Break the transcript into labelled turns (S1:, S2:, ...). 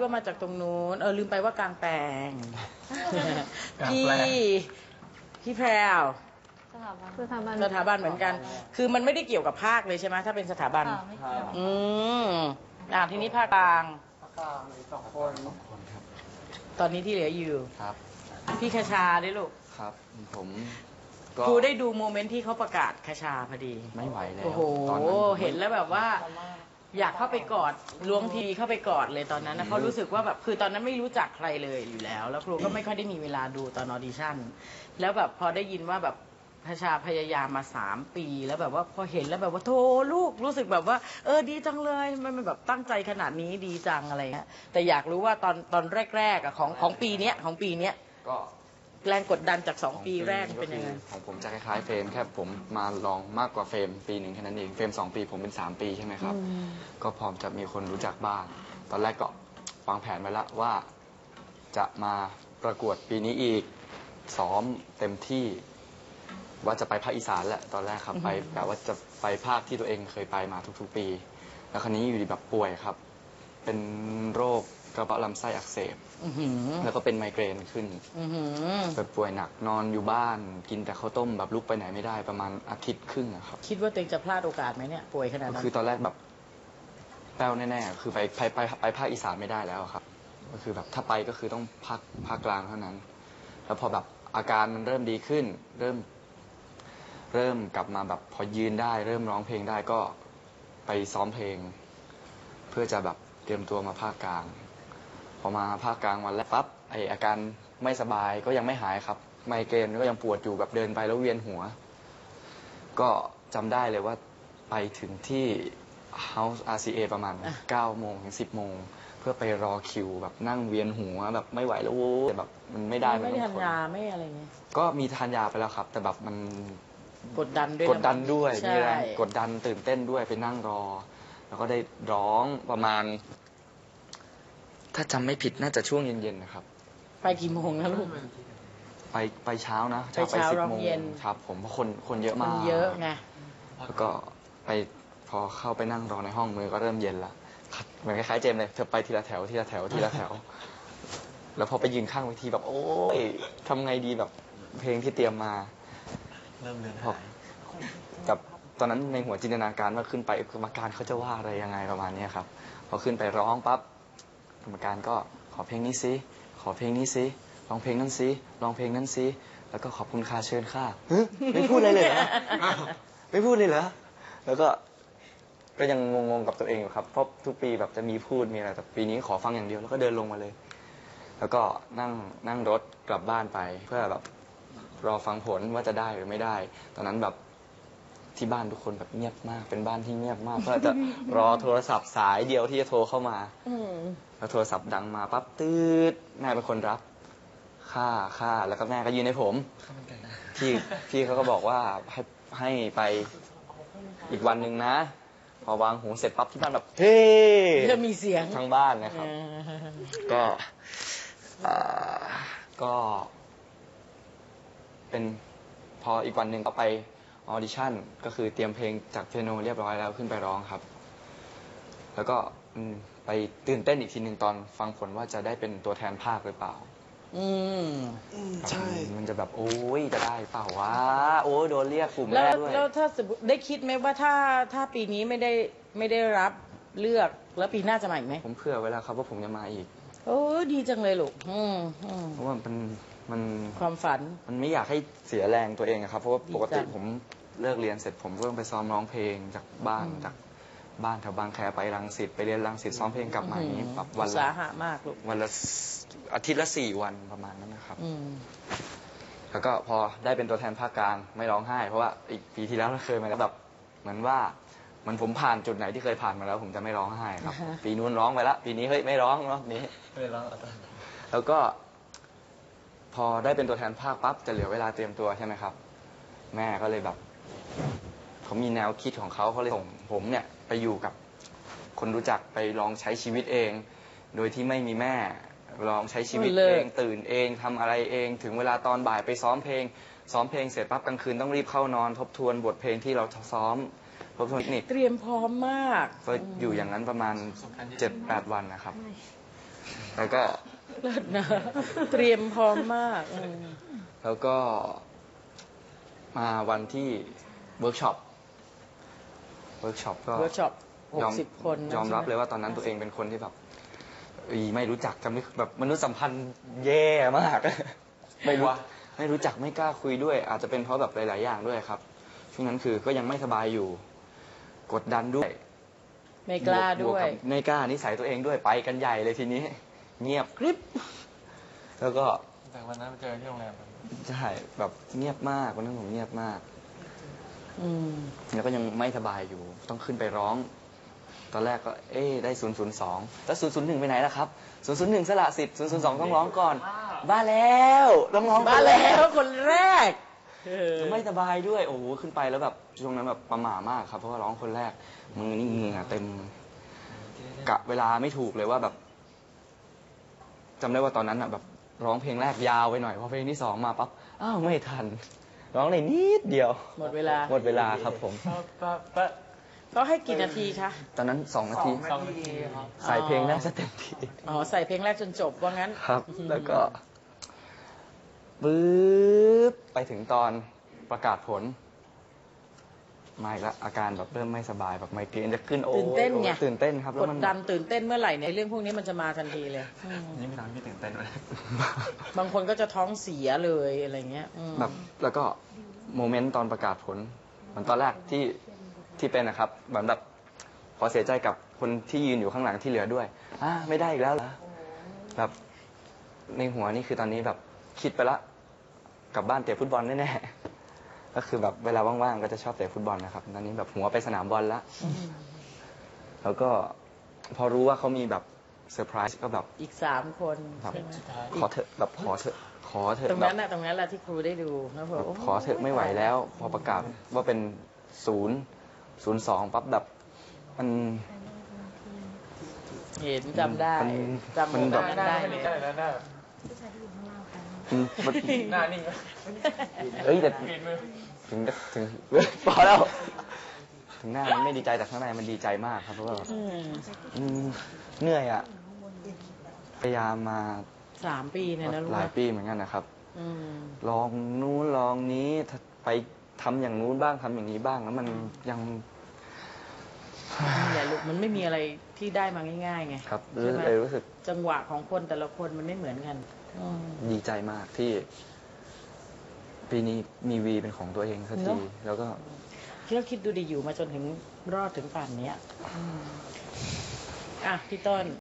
S1: มาจากตรงนู้นลืมไปว่ากลางแปลงพี่แพรวสถาบันเหมือนกันคือมันไม่ได้เกี่ยวกับภาคเลยใช่ไหมถ้าเป็นสถาบันทีนี้ภาคกลาง
S2: มี2 คนครับ
S1: ตอนนี้ที่เหลืออยู่
S2: ครับ
S1: พี่คชาด้วยลูก
S2: ครับผม
S1: ครูได้ดูโมเมนต์ที่เขาประกาศคชาพอดี
S2: ไม่ไหวแล้ว
S1: โอ้โหเห็นแล้วแบบว่าอยากเข้าไปกอดล้วงทีเข้าไปกอดเลยตอนนั้นนะเขารู้สึกว่าแบบคือตอนนั้นไม่รู้จักใครเลยอยู่แล้วแล้วครูก็ไม่ค่อยได้มีเวลาดูตอนออดิชั่นแล้วแบบพอได้ยินว่าแบบคชาพยายามมา3 ปีแล้วแบบว่าพอเห็นแล้วแบบว่าโธ่ลูกรู้สึกแบบว่าดีจังเลยมันแบบตั้งใจขนาดนี้ดีจังอะไรเงี้ยแต่อยากรู้ว่าตอนแรกๆของปีเนี้ย
S2: ก็
S1: แรงกดดันจาก2 ปีแรกเป็นยังไง
S2: ของผมจะคล้ายๆเฟรมแค่ผมมาลองมากกว่าเฟรมปี1แค่นั้นเองเฟรม2 ปีผมเป็น3 ปีใช่ไหมครับก็พร้อมจะมีคนรู้จักบ้างตอนแรกก็วางแผนไว้แล้วว่าจะมาประกวดปีนี้อีกซ้อมเต็มที่ว่าจะไปภาคอีสานแหละตอนแรกครับไปแบบว่าจะไปภาคที่ตัวเองเคยไปมาทุกๆปีแล้วคราวนี้อยู่ดีแบบป่วยครับเป็นโรคกระเพาะลำไส้อักเสบแล้วก็เป็นไมเกรนขึ้นแบบป่วยหนักนอนอยู่บ้านกินแต่ข้าวต้มแบบลุกไปไหนไม่ได้ประมาณ1 อาทิตย์ครึ่งครับ
S1: คิดว่าตัวเองจะพลาดโอกาสไหมเนี่ยป่วยขนาดนั้น
S2: คือตอนแรกแบบแป้วแน่ๆคือไปภาคอีสานไม่ได้แล้วครับก็คือแบบถ้าไปก็คือต้องภาคกลางเท่านั้นแล้วพอแบบอาการมันเริ่มดีขึ้นเริ่มกลับมาแบบพอยืนได้เริ่มร้องเพลงได้ก็ไปซ้อมเพลงเพื่อจะแบบเตรียมตัวมาภาคกลางพอมาภาคกลางวันแรกปั๊บอาการไม่สบายก็ยังไม่หายครับไมเกรนก็ยังปวดอยู่แบบเดินไปแล้วเวียนหัวก็จำได้เลยว่าไปถึงที่ House RCA ประมาณ9 โมงถึง 10 โมงเพื่อไปรอคิวแบบนั่งเวียนหัวแบบไม่ไหวแล้วแต่แบบมันไม่ได้
S1: ไม่ทานยาไม่อะไรเงี้ย
S2: ก็มีทานยาไปแล้วครับแต่แบบมัน
S1: กดดันด้วย
S2: มีแรงกดดันตื่นเต้นด้วยไปนั่งรอแล้วก็ได้ร้องประมาณถ้าจำไม่ผิดน่าจะช่วงเย็นๆนะครับ
S1: ไปกี่โมงนะลูก
S2: ไปเช้านะ
S1: ไป10 โมง
S2: ครับผมเพราะคนเยอะมาก
S1: เยอะไง
S2: แล้วก็ไปพอเข้าไปนั่งรอในห้องมือก็เริ่มเย็นละเหมือนคล้ายๆเจมเลยเธอไปทีละแถวแล้วพอไปยืนข้างเวทีแบบโอ้ยทำไงดีแบบเพลงที่เตรียมมา
S3: เริ่มเลือนหาย
S2: กับตอนนั้นในหัวจินตนาการว่าขึ้นไปกรรมการเขาจะว่าอะไรยังไงประมาณนี้ครับพอขึ้นไปร้องปั๊บกรรมการก็ขอเพลงนี้สิขอเพลงนี้สิร้องเพลงนั้นสิร้องเพลงนั้นสิแล้วก็ขอบคุณค่ะเชิญค่ะไม่พูดอะไรเลยเหรอไม่พูดเลยเหรอแล้วก็ยังงงๆกับตัวเองอยู่ครับเพราะทุกปีแบบจะมีพูดมีอะไรแต่ปีนี้ขอฟังอย่างเดียวแล้วก็เดินลงมาเลยแล้วก็นั่งรถกลับบ้านไปเพื่อแบบรอฟังผลว่าจะได้หรือไม่ได้ตอนนั้นแบบที่บ้านทุกคนแบบเงียบมากเป็นบ้านที่เงียบมากเพื่อจะรอโทรศัพท์สายเดียวที่จะโทรเข้ามาแล้วโทรศัพท์ดังมาปั๊บตืดแม่เป็นคนรับค่าแล้วก็แม่ก็ยืนให้ผมพี่เขาก็บอกว่าให้ไปอีกวันหนึ่งนะพอวางหูเสร็จปั๊บที่บ้านแบบเฮ้
S1: จะมีเสียง
S2: ทั้งบ้านนะครับก็เป็นพออีกวันหนึ่งก็ไปออดิชั่นก็คือเตรียมเพลงจากเปียโนเรียบร้อยแล้วขึ้นไปร้องครับแล้วก็ไปตื่นเต้นอีกทีหนึ่งตอนฟังผลว่าจะได้เป็นตัวแทนภาคหรือเปล่า
S3: ใช่
S2: มันจะแบบโอ้ยจะได้เปล่าวะโอ้ยโดนเรียกกลุ่มแรกด้วย
S1: แล้วถ้าสมมติได้คิดไหมว่าถ้าปีนี้ไม่ได้รับเลือกแล้วปีหน้าจะมาอีกไหม
S2: ผมเผื่อไว้แล้วครับว่าผมจะมาอีก
S1: โอ้ดีจังเลยลูก
S2: เพราะว่ามัน
S1: ความฝัน
S2: มันไม่อยากให้เสียแรงตัวเองครับเพราะว่าปกติผมเลิกเรียนเสร็จผมก็ต้องไปซ้อมร้องเพลงจากบ้านแถวบางแคไปรังสิตไปเรียนรังสิตซ้อมเพลงกลับมาอย่างนี้แบบ
S1: วันละมากลูก
S2: วันละอาทิตย์ละ4 วันประมาณนั้นนะครับแล้วก็พอได้เป็นตัวแทนภาคกลางไม่ร้องไห้เพราะว่าอีกปีที่แล้วเราเคยมาแล้วแบบเหมือนผมผ่านจุดไหนที่เคยผ่านมาแล้วผมจะไม่ร้องไห้ครับปีนู้นร้องไปละปีนี้เฮ้ยไม่ร้องรอบนี้
S3: ไม่ร้อง
S2: แล้วก็พอได้เป็นตัวแทนภาคปั๊บจะเหลือเวลาเตรียมตัวใช่ไหมครับแม่ก็เลยแบบเขามีแนวคิดของเขาเลยส่งผมเนี่ยไปอยู่กับคนรู้จักไปลองใช้ชีวิตเองโดยที่ไม่มีแม่ลองใช้ชีวิตเองตื่นเองทำอะไรเองถึงเวลาตอนบ่ายไปซ้อมเพลงเสร็จปั๊บกลางคืนต้องรีบเข้านอนทบทวนบทเพลงที่เราซ้อมทบทวนนี่
S1: เตรียมพร้อมมาก
S2: ก็อยู่อย่างนั้นประมาณ 7-8 วันนะครับแล้วก็
S1: เลิศนะ เตรียมพร้อมมาก
S2: แล้วก็มาวันที่เวิร์กช็อปก็
S1: เวิร์กช็อป
S2: ยอม
S1: 60 คนนะ
S2: ยอมรับ
S1: ใช่ไห
S2: เลยว่าตอนนั้นตัวเองเป็นคนที่แบบไม่รู้จักกันแบบมนุษยสัมพันธ์แย่มาก ไม่รู้จักไม่กล้าคุยด้วย อาจจะเป็นเพราะแบบหลาย ๆ อย่างด้วยครับ ช่วงนั้นคือก็ยังไม่สบายอยู่ กดดันด้วย
S1: ไม่กล้า
S2: บ
S1: ด้
S2: ก
S1: วย
S2: กับไม่กล้านิสัยตัวเองด้วยไปกันใหญ่เลยทีนี้ เงียบกริบแล้วก็
S3: แต่วันนั้นไปเจอที่โรงแรม
S2: ใช่แบบเงียบมากวันนั้นผมเงียบมาก
S1: อืม
S2: แล้วก็ยังไม่สบายอยู่ ต้องขึ้นไปร้อง ตอนแรกก็ได้002แล้ว001ไปไหนล่ะครับ001สละสิทธิ์002ต้องร้องก่อนบ้าแล้วต้องร้อง
S1: มาแล้วคนแรก
S2: ไม่สบายด้วยโอ้โหขึ้นไปแล้วแบบช่วงนั้นแบบประหม่ามากครับเพราะว่าร้องคนแรกมือนี่เหงื่อเต็มกะเวลาไม่ถูกเลยว่าแบบจำได้ว่าตอนนั้นอ่ะแบบร้องเพลงแรกยาวไปหน่อยพอเพลงที่สองมาปั๊บอ้าวไม่ทัน ร้องได้นิดเดียว
S1: หมดเวลา
S2: หมดเวลาครับผม
S1: เขาให้กี่นาทีคะ
S2: ตอนนั้น2 นาที
S3: 2 นาทีครับ
S2: ใส่เพลงแรกซะเต็มที่
S1: อ๋อ ใส่เพลงแรกจนจบว่างั้น
S2: ครับ แล้วก็ปึ๊บไปถึงตอนประกาศผลมาอีกแล้วอาการแบบเริ่มไม่สบายแบบไมเกรนจะขึ้นโอ้
S1: ตื่นเต้นไง
S2: ตื่นเต้นครับ
S1: ก
S2: แล้ว
S1: ด
S2: มัน
S1: ดันตื่นเต้นเมื่อไหร่เนี่ยเรื่องพวกนี้มันจะมาทันทีเลย
S3: นี่ไม่ทำให้พี่ตื่นเต้นเลย
S1: บางคนก็จะท้องเสียเลยอะไรเงี้ย
S2: แบบแล้วก็โมเมนต์ตอนประกาศผลเหมือนตอนแรกที่เป็นนะครับเหมือนแบบขอเสียใจกับคนที่ยืนอยู่ข้างหลังที่เหลือด้วยไม่ได้อีกแล้วเหรอแบบในหัวนี่คือตอนนี้แบบคิดไปละกลับบ้านเตะฟุตบอลแน่ๆก็คือแบบเวลาว่างๆก็จะชอบเตะฟุตบอลนะครับตอนนี้แบบหัวไปสนามบอลแล้วแล้วก็พอรู้ว่าเขามีแบบเซอร์ไพรส์ก็แบบ
S1: อีก3 คน
S2: แบบ
S1: ใช่ไหม
S2: ขอเถอะแบบขอเถอะ
S1: ตรง
S2: แบ
S1: นั้
S2: บ
S1: นน่ะตรงนั้นแหละที่ครูได้ดูนะผม
S2: ขอเถอะไม่ไหวแล้ว พอประกาศว่าเป็น02ปั๊บแบบมัน
S1: เห็นจำได้
S2: มัน
S1: จำโม
S2: มัน
S1: เม
S2: แบ
S1: น
S2: บ
S1: ต์นั้นได้เลย
S2: มัน
S3: หน้านิ่ง
S2: เอ้ยแต่
S3: เปลี่ยนมือ
S2: ถึงพอแล้วถึงหน้ามันไม่ดีใจแต่ข้างในมันดีใจมากครับเพราะว่าเหนื่อยอ่ะพยายามมา
S1: 3 ปีเนี่ยนะรู้
S2: ห
S1: ไหม
S2: ลายปีเหมือนกันนะครับ
S1: อืม
S2: ลองนู้นลองนี้ไปทำอย่างนู้นบ้างทำอย่างนี้บ้างแล้วมันยัง
S1: นี่แหละลูกมันไม่มีอะไรที่ได้มาง่ายๆไง
S2: ครับ
S1: ใช่ไหม
S2: เลยรู้สึก
S1: จังหวะของคนแต่ละคนมันไม่เหมือนกัน
S2: ดีใจมากที่ ปีนี้มีวีเป็นของตัวเองสัก
S1: เน
S2: ที
S1: อะ
S2: แล้วก็
S1: คิดดูดีอยู่มาจนถึงรอดถึงป่านเนี้ยอ่ะพี่ต้น